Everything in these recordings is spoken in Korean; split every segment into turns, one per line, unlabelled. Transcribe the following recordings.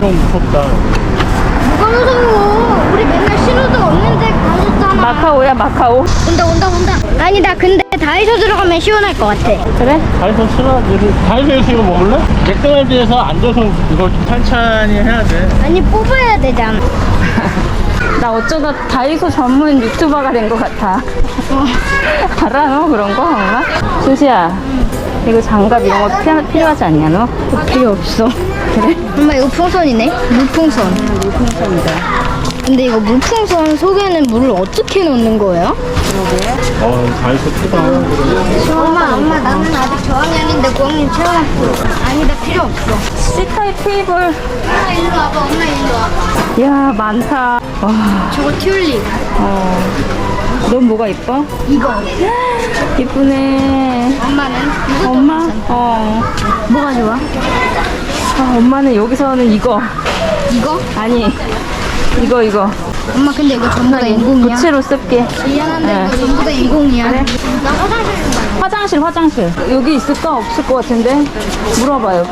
좀 무섭다.
뭐가 무서워? 우리 맨날 신호등 없는데 가셨잖아.
마카오야, 마카오.
온다. 아니다. 근데 다이소 들어가면 시원할 것 같아.
그래?
다이소 싫어하지. 다이소에서 이거 먹을래? 맥도날드에서 앉아서 이걸 천천히 해야 돼.
아니 뽑아야 되잖아.
나 어쩌다 다이소 전문 유튜버가 된 것 같아. 알아, 너 그런 거, 엄마? 수시야, 이거 장갑 이런 거 필요하지 않냐, 너?
필요 없어.
그래?
엄마 이거 풍선이네? 물풍선.
물풍선이다.
근데 이거 물풍선 속에는 물을 어떻게 넣는 거예요?
다이소 크다.
엄마 나는 아직 저학년인데 고학년 체험학교. 아니다 필요 없어.
C타입 테이블.
엄마 일로 와봐. 엄마 일로 와봐.
야, 많다. 와,
저거 튤립.
넌 뭐가 이뻐?
이거.
이쁘네.
엄마는?
엄마?
뭐가 좋아?
아, 엄마는 여기서는 이거.
이거?
아니, 이거.
엄마 근데 이거 전부 다 인공이야?
부채로 쓸게.
미안한데
네.
이거 전부 다 인공이야.
그래?
나 화장실 좀
화장실. 여기 있을까? 없을 것 같은데? 물어봐요.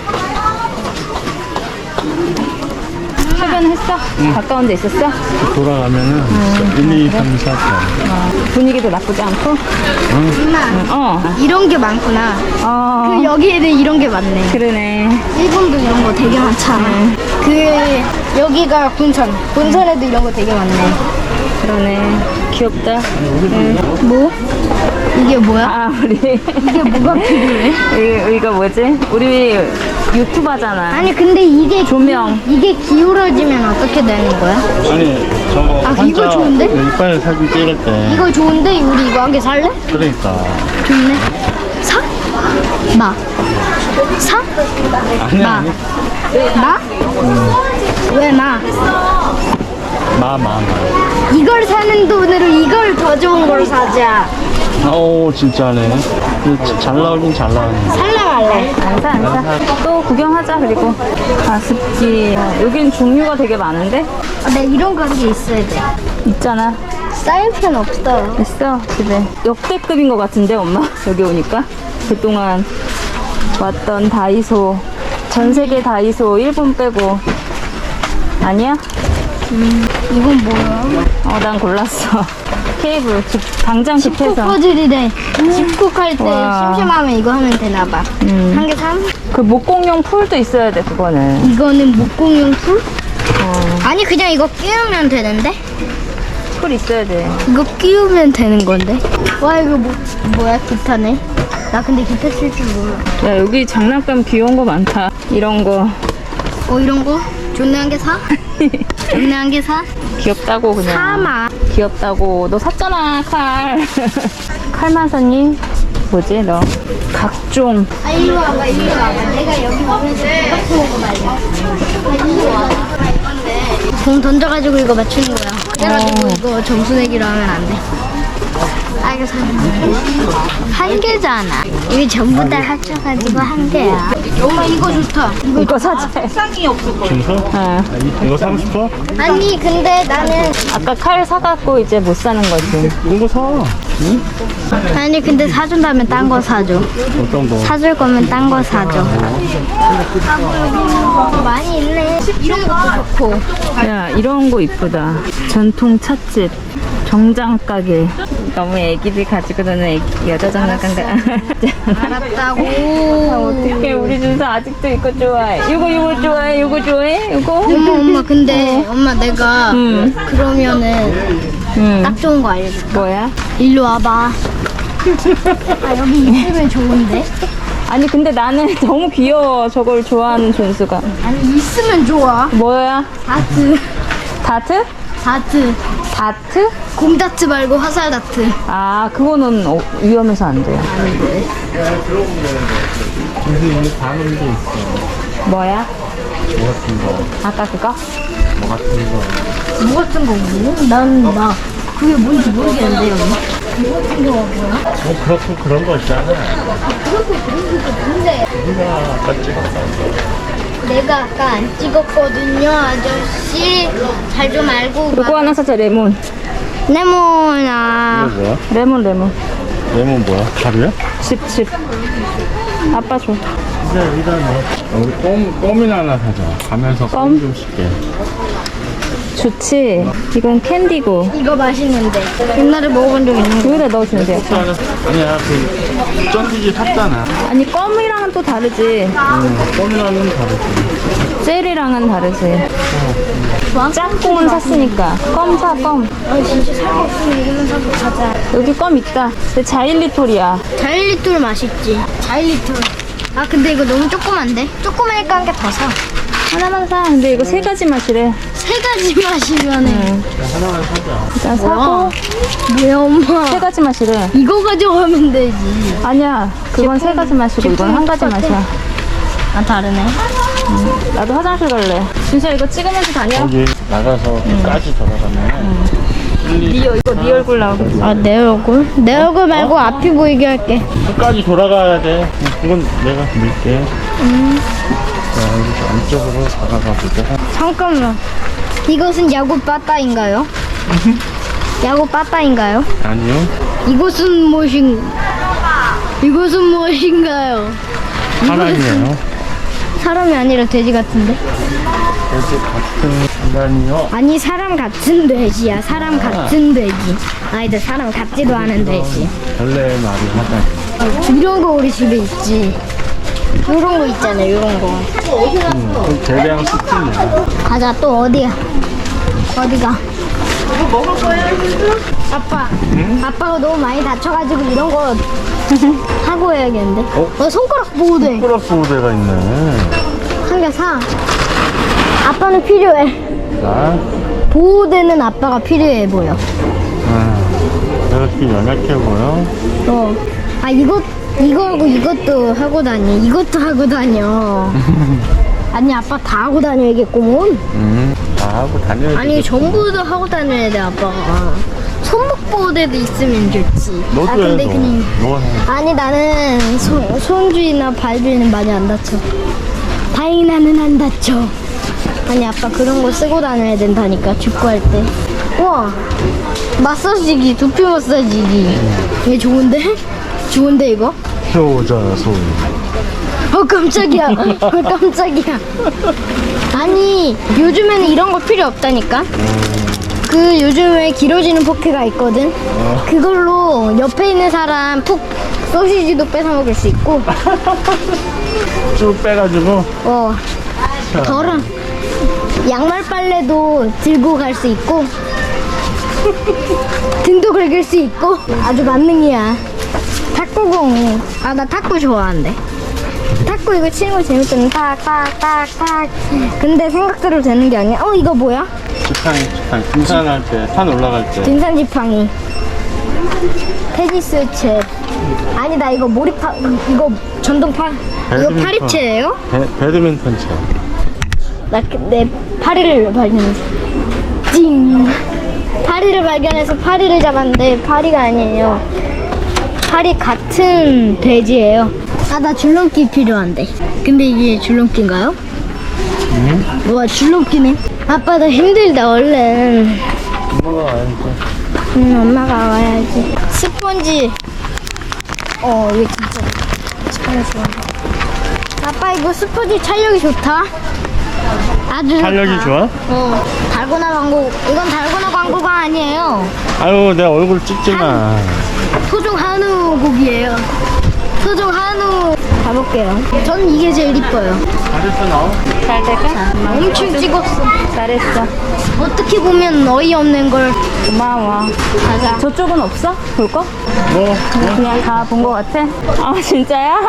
해변했어? 가까운 데 있었어?
돌아가면은 1, 2, 3, 4, 5.
분위기도 나쁘지 않고?
엄마 이런 게 많구나. 그 여기에는 이런 게 많네.
그러네.
일본도 이런 거 되게 많잖아. 그 여기가 본선에도 이런 거 되게 많네.
그러네. 귀엽다.
뭐? 이게 뭐야?
아, 우리.
이게 뭐가 필요해?
이거 뭐지? 우리 유튜버잖아.
아니 근데 이게
조명.
이게 기울어지면 어떻게 되는 거야?
아니, 저거
아, 이거 좋은데?
이빨 사진 찍을 때.
이거 좋은데 우리 이거 한 개 살래?
그러니까.
좋네. 사? 마. 사?
아니,
마.
아니.
마? 왜 마?
마.
이걸 사는 돈으로 이걸 더 좋은 걸 사자.
오, 진짜네. 잘 나오긴 잘 나오네.
살래 말래?
안 사. 또 구경하자, 그리고. 가습기. 여긴 종류가 되게 많은데?
아, 나 이런 거 한 개 있어야 돼.
있잖아.
사인펜 없어요.
있어, 집에. 역대급인 것 같은데, 엄마? 여기 오니까. 그동안 왔던 다이소. 전 세계 다이소, 일본 빼고. 아니야?
이건 뭐야?
난 골랐어. 케이블. 당장
집콕
집해서.
퍼즐이래. 집콕할 때
와.
심심하면 이거 하면 되나봐. 한 개 삼?
그 목공용 풀도 있어야 돼, 그거는.
이거는 목공용 풀? 아니 그냥 이거 끼우면 되는데?
풀 있어야 돼.
이거 끼우면 되는 건데? 와 이거 뭐야 기타네? 나 근데 기타 칠 줄 몰라.
야, 여기 장난감 귀여운 거 많다. 이런 거.
이런 거? 존내 한 개 사? 존내 한 개 사?
귀엽다고, 그냥.
사마.
귀엽다고. 너 샀잖아, 칼. 칼만 샀니? 뭐지, 너? 각종.
아 일로 와봐. 내가 여기 오면서 이렇게 오고 말이야. 일로 와. 공 던져가지고 이거 맞추는 거야. 그래가지고 이거 점수 내기로 하면 안 돼. 아 이거 한 개잖아. 이게 전부 다 합쳐가지고 한 개야. 엄마 이거 좋다.
이거 사자.
진짜?
어.
이거 사고 싶어?
아니 근데 나는
아까 칼 사갖고 이제 못 사는 거지.
이거 사. 응?
아니 근데 사준다면 딴 거 사줘.
어떤 거?
사줄 거면 딴 거 사줘. 많이 있네. 이런 것도 좋고.
야, 이런 거 이쁘다. 전통 찻집. 정장 가게. 너무 애기들 가지고 노는 여자 장난감
알았다고.
어떡해, 우리 준서 아직도 이거 좋아해. 이거 좋아해? 이거 좋아해? 이거?
엄마 근데 엄마 내가 그러면은 딱 좋은 거 알려줄게.
뭐야?
일로 와봐. 아 여기 있으면 좋은데?
아니, 근데 나는 너무 귀여워. 저걸 좋아하는 준수가.
아니 있으면 좋아.
뭐야?
다트.
다트?
다트.
다트?
곰다트 말고 화살 다트.
아, 그거는 위험해서 안 돼요.
근데 이게 다른 게 있어.
뭐야?
뭐 같은 거.
아까 그거?
뭐 같은 거.
뭐 같은 거 뭐? 나 그게 뭔지 모르겠는데 여기. 뭐 같은 거가 뭐야?
그렇고 그런 거 있잖아.
그것도 그런 게 뭔데?
우리가 아까 찍었어.
내가 아까 안 찍었거든요 아저씨. 잘 좀 알고.
요거 하나 사자, 레몬.
레몬아.
이거 뭐야?
레몬.
레몬 뭐야? 가루야?
칩. 아빠 줘.
진짜 여기다네. 우리 껌이나 하나 사자. 가면서 껌 좀 씹게.
좋지. 이건 캔디고.
이거 맛있는데. 옛날에 먹어본 적 있는 거.
여기다 넣어주면 돼.
아니야, 그 쩐디지 샀잖아.
아니 껌이랑은 또 다르지.
껌이랑은 다르지.
젤이랑은 다르지. 짝꿍은 샀으니까. 껌 사, 껌.
아 진짜 살 거 없으면 이거만 사고 가자.
여기 껌 있다. 근데 자일리톨이야.
자일리톨 맛있지. 자일리톨. 아 근데 이거 너무 조그만데? 조그마니까 한 개 더 사.
하나만 사. 근데 이거 세 가지 맛이래.
세 가지 맛이면은.
응.
하나만 사자.
일단 사고
뭐야 엄마.
세 가지 맛이래.
이거 가져가면 되지.
아니야. 그건 세 가지 맛이고 이건 한 가지 맛이야.
아 다르네.
나도 화장실 갈래. 진짜 이거 찍으면서 다녀.
여기 나가서 끝까지 돌아가면
이거 네 얼굴 나오겠지.
아 내 얼굴? 내 얼굴 말고 앞이 보이게 할게.
끝까지 돌아가야 돼. 이건 내가 밀게. 자, 여기서 안쪽으로 다가가 보자.
잠깐만. 이것은 야구 빠따인가요? 야구 빠따인가요?
아니요.
이것은 무엇인가요?
사람이에요.
사람이 아니라 돼지 같은데?
돼지 같은 인간이요.
아니 사람 같은 돼지야. 사람 같은 돼지. 아니다 사람 같지도 않은 돼지.
원래 말이 하다.
이런 거 우리 집에 있지. 이런 거 있잖아. 이런 거.
그 대량 스팀이야.
가자. 또 어디야? 어디가? 이거 먹을 거야? 아빠. 아빠가 너무 많이 다쳐가지고 이런 거 하고 해야겠는데. 손가락 보호대.
손가락 보호대가 있네.
한 개 사. 아빠는 필요해.
자,
보호대는 아빠가 필요해 보여.
내가 지금 연약해 보여.
아 이거하고 이것도 하고 다니. 이것도 하고 다녀. 아니 아빠 다 하고 다녀야겠구먼.
다 하고 다녀야 돼.
아니 전부 다 하고 다녀야 돼 아빠가. 손목 보호대도 있으면 좋지.
너도
아
해,
근데
너.
그냥
너가 해.
아니 나는 손주이나 발주이는 많이 안 다쳐. 다행히 나는 안 다쳐. 아니 아빠 그런 거 쓰고 다녀야 된다니까 축구할 때. 우와 마사지기 두피 마사지기. 이게 좋은데? 좋은데 이거?
효자손.
깜짝이야. 깜짝이야. 아니 요즘에는 이런 거 필요 없다니까. 그 요즘에 길어지는 포크가 있거든. 그걸로 옆에 있는 사람 푹 소시지도 뺏어 먹을 수 있고.
쭉 빼가지고.
덜은 양말 빨래도 들고 갈 수 있고 등도 긁을 수 있고 아주 만능이야. 탁구공. 아 나 탁구 좋아하는데. 탁구 이거 치는 거 재밌잖아. 탁탁탁탁. 근데 생각대로 되는 게 아니야. 이거 뭐야?
지팡이. 등산할 때, 산 올라갈 때.
등산 지팡이. 테니스 채. 아니 나 이거 몰입파. 이거 전동파. 이거
배드민턴.
파리채예요?
배드민턴 쳐.
나 내 파리를 발견했어. 찡. 파리를 발견해서 파리를 잡았는데 파리가 아니에요. 파리 같은 돼지예요. 아 나 줄넘기 필요한데. 근데 이게 줄넘기인가요? 뭐야 줄넘기네. 아빠 나 힘들다 얼른.
엄마가 와야지.
엄마가 와야지. 스펀지. 이거 진짜 스펀지 좋아. 아빠 이거 스펀지 찰력이 좋다. 아주
탄력이
좋다.
좋아?
달고나 광고. 이건 달고나 광고가 아니에요.
아유, 내 얼굴 찍지 마.
소중 한우 고기예요. 소중 한우. 가볼게요. 전 이게 제일 이뻐요.
잘했어, 너.
잘 될까?
엄청 찍었어.
잘했어.
어떻게 보면 어이없는 걸.
고마워.
가자.
저쪽은 없어? 볼 거?
뭐?
그냥 다 본 거 같아? 아 진짜야?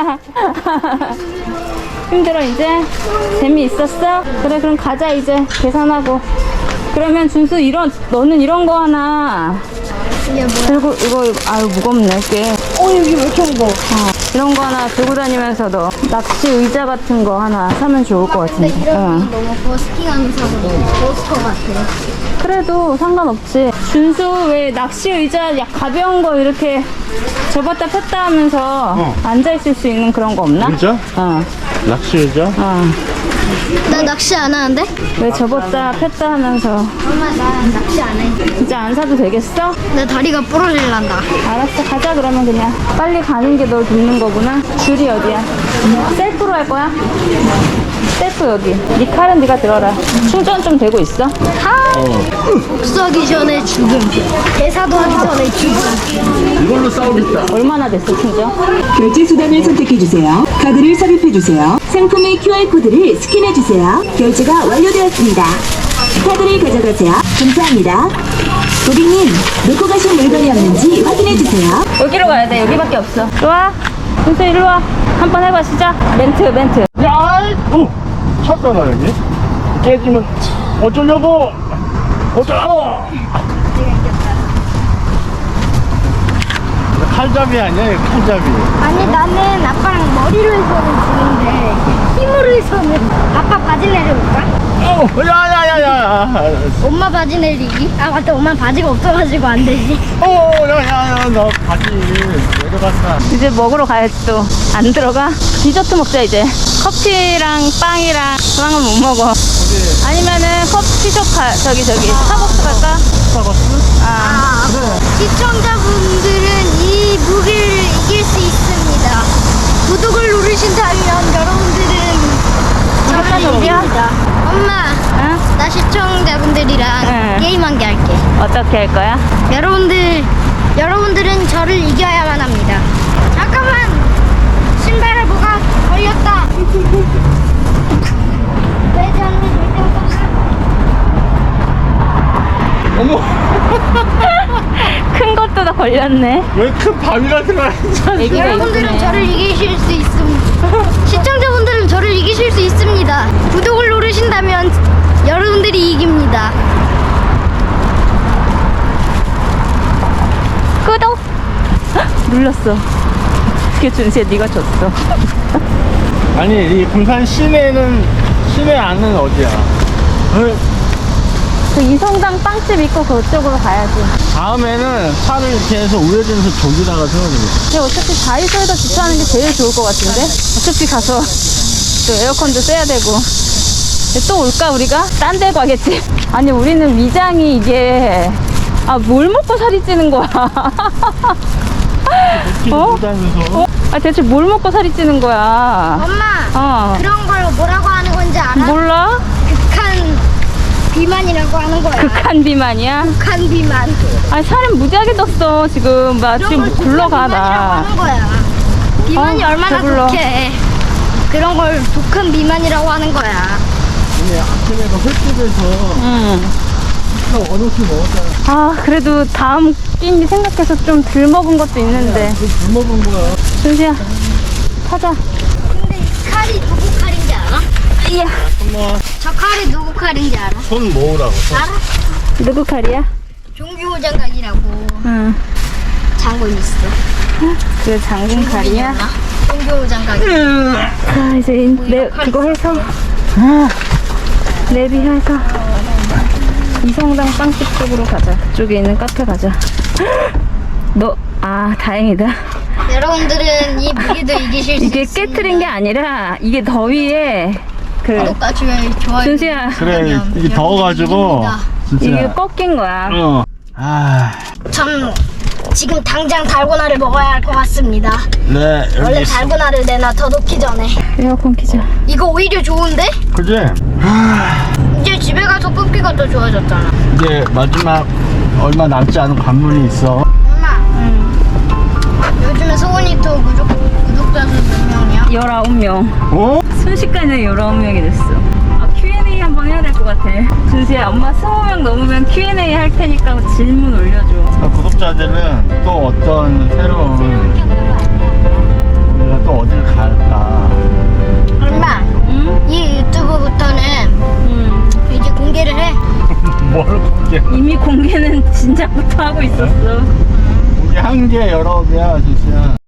힘들어 이제? 재미있었어? 그래 그럼 가자 이제 계산하고. 그러면 준수 너는 이런 거 하나
이게 뭐야?
들고 이거 아유 무겁네 꽤.
여기 왜 이렇게 무거워?
이런 거 하나 들고 다니면서 너 낚시 의자 같은 거 하나 사면 좋을 것
근데
같은데.
이런 너무 버스킹하면서 너무 버스커 같아.
그래도 상관없지. 준수 왜 낚시 의자 가벼운 거 이렇게 접었다 폈다 하면서 앉아 있을 수 있는 그런 거 없나?
의자?
어.
낚시 의자?
나 낚시 안 하는데?
왜 접었다 폈다 하면서.
엄마 나 낚시 안 해.
진짜 안 사도 되겠어?
내 다리가 부러질란다.
알았어 가자 그러면 그냥. 빨리 가는 게 널 돕는 거구나. 줄이 어디야? 셀프로 할 거야? 셀프 여기. 네 칼은 네가 들어라. 충전 좀 되고 있어?
복수하기 전에 죽음. 대사도 하기 전에 죽음.
이걸로 싸우겠다.
얼마나 됐어 충전?
결제 수단을 선택해주세요. 카드를 삽입해주세요. 상품의 QR코드를 스캔해주세요. 결제가 완료되었습니다. 카드를 가져가세요. 감사합니다. 고객님, 놓고 가신 물건이 없는지 확인해주세요.
여기로 가야 돼. 여기밖에 없어. 좋아. 준수 일로 와. 한번 해봐 시작. 멘트.
야, 쳤잖아 여기. 깨지면 어쩌려고? 어쩌라고? 칼잡이 아니야, 이거 칼잡이.
아니 나는 아빠랑 머리로 해서는 지는데 힘으로 해서는 아빠 바지 내려볼까?
야야야야.
엄마 바지 내리기? 아 맞다 엄마 바지가 없어가지고 안 되지.
야야야, 너 바지 내려갔다.
이제 먹으러 가야지 또. 안 들어가? 디저트 먹자 이제. 커피랑 빵이랑 빵은 못 먹어. 아니면은 커피숍 가. 저기 스타벅스 갈까?
스타벅스?
아.
시청자분들은 이 무기를 이길 수 있습니다. 구독을 누르신다면 여러분들은
이것까지
이깁니다. 엄마,
응?
나 시청자분들이랑
응.
게임 한 개 할게.
어떻게 할 거야?
여러분들은 저를 이겨야만 합니다. 잠깐만! 신발에 뭐가 걸렸다! 왜 저는
어머,
큰 것도 다 걸렸네.
왜 큰 바위가 들어있지?
애기가
여러분들은
있네.
저를 이기실 수 있습니다. 시청자분들은 저를 이기실 수 있습니다. 구독을 누르신다면 여러분들이 이깁니다.
구독! 헉, 눌렀어. 어떻게 준수야 네가 졌어.
아니, 이 군산 시내 안은 어디야?
그 이성당 빵집 있고 그쪽으로 가야지.
다음에는 차를 이렇게 해서 우회전해서 저기다가 세워주겠다.
근데 어차피 다이소에서 주차하는 게 제일 좋을 것 같은데? 어차피 가서 또 에어컨도 쐬야 되고. 근데 또 올까 우리가? 딴 데 가겠지. 아니 우리는 위장이 이게 뭘 먹고 살이 찌는 거야? 어?
다니면서
대체 뭘 먹고 살이 찌는 거야?
엄마, 그런 걸 뭐라고 하는 건지 알아?
몰라?
극한 비만이라고 하는 거야.
극한 비만이야?
극한 비만.
살은 무지하게 떴어 지금. 나
그런
지금
걸
굴러가
극한 비만이라고
나.
하는 거야. 비만이 얼마나
배불러.
독해. 그런 걸 독한 비만이라고 하는 거야.
오늘 아침에도 횟집에서
응.
어놓게 먹었잖아.
그래도 다음 끼니 생각해서 좀 덜 먹은 것도 있는데.
술 먹은 거야.
준수야 타자.
근데 이 칼이 누구 칼인지 알아?
이야.
한번
저 칼이 누구 칼인지 알아?
손 모으라고.
알아?
누구 칼이야?
종규호 장관이라고
응.
장군 있어.
그 장군 칼이야?
종규호 장관.
자 이제 그거 해서 내비해서 이성당 빵집 쪽으로 가자. 그쪽에 있는 카페 가자. 다행이다.
여러분들은 이 무기도 이기실 수
이게
있습니다.
깨트린 게 아니라 이게 더위에
구독과 좋아요
준수야
그래, 이게 더워가지고 진짜.
이게 꺾인 거야.
참 지금 당장 달고나를 먹어야 할 것 같습니다.
네,
원래
여기 있어.
달고나를 내놔 더 녹기 전에.
에어컨 키자.
이거 오히려 좋은데?
그지?
이제 집에 가서 뽑기가 더 좋아졌잖아.
이제 마지막 얼마 남지 않은 관문이 있어.
엄마, 요즘에 소원이토 구독자 수 몇 명이야?
19명.
어?
순식간에 19명이 됐어. Q&A 한번 해야 될 것 같아. 준수야, 엄마 20명 넘으면 Q&A 할 테니까 질문 올려줘.
구독자들은 또 어떤 새로운 우리가 또 어딜 갈까.
엄마,
응?
이 유튜브부터는
응.
이제 공개를 해.
뭘 공개?
이미 공개는 진작부터 하고 있었어.
공개한 게 여러 개야, 진짜.